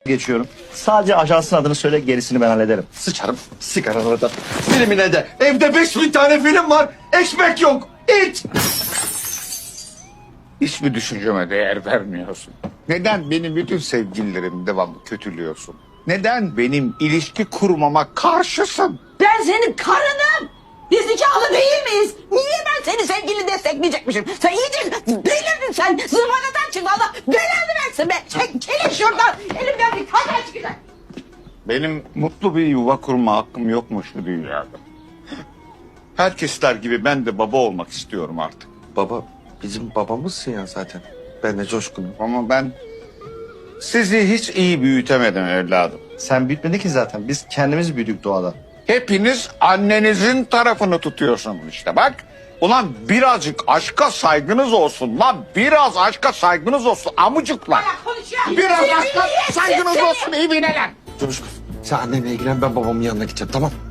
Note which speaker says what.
Speaker 1: geçiyorum. Sadece ajansın adını söyle, gerisini ben hallederim.
Speaker 2: Sıçarım sigaranı da, filmine de. Evde 5000 tane film var. Ekmek yok. İç.
Speaker 3: Hiçbir düşünceme değer vermiyorsun. Neden benim bütün sevgililerimi devamlı kötülüyorsun? Neden benim ilişki kurmama karşısın?
Speaker 4: Ben senin karınım. Biz nikahlı değil miyiz? Niye ben seni sevgili destekleyecekmişim? Sen iyice delirdin sen. Zıvanadan çıktı. Allah belanı versin be. Çekilin şuradan. Elimden bir kaza çıkacak.
Speaker 3: Benim mutlu bir yuva kurma hakkım yokmuş bu dünyada. Herkesler gibi ben de baba olmak istiyorum artık.
Speaker 2: Baba bizim babamızsın ya zaten. Ben de Coşkun'um.
Speaker 3: Ama ben sizi hiç iyi büyütemedim evladım.
Speaker 1: Sen büyütmedin ki zaten. Biz kendimiz büyüdük doğada.
Speaker 3: Hepiniz annenizin tarafını tutuyorsunuz işte bak. Ulan birazcık aşka saygınız olsun lan. Biraz aşka saygınız olsun amucuklar.
Speaker 4: Konuşuyor.
Speaker 3: Biraz aşka saygınız olsun ibineler.
Speaker 2: Coşkun sen annenle ilgilen, ben babamın yanına gideceğim, tamam.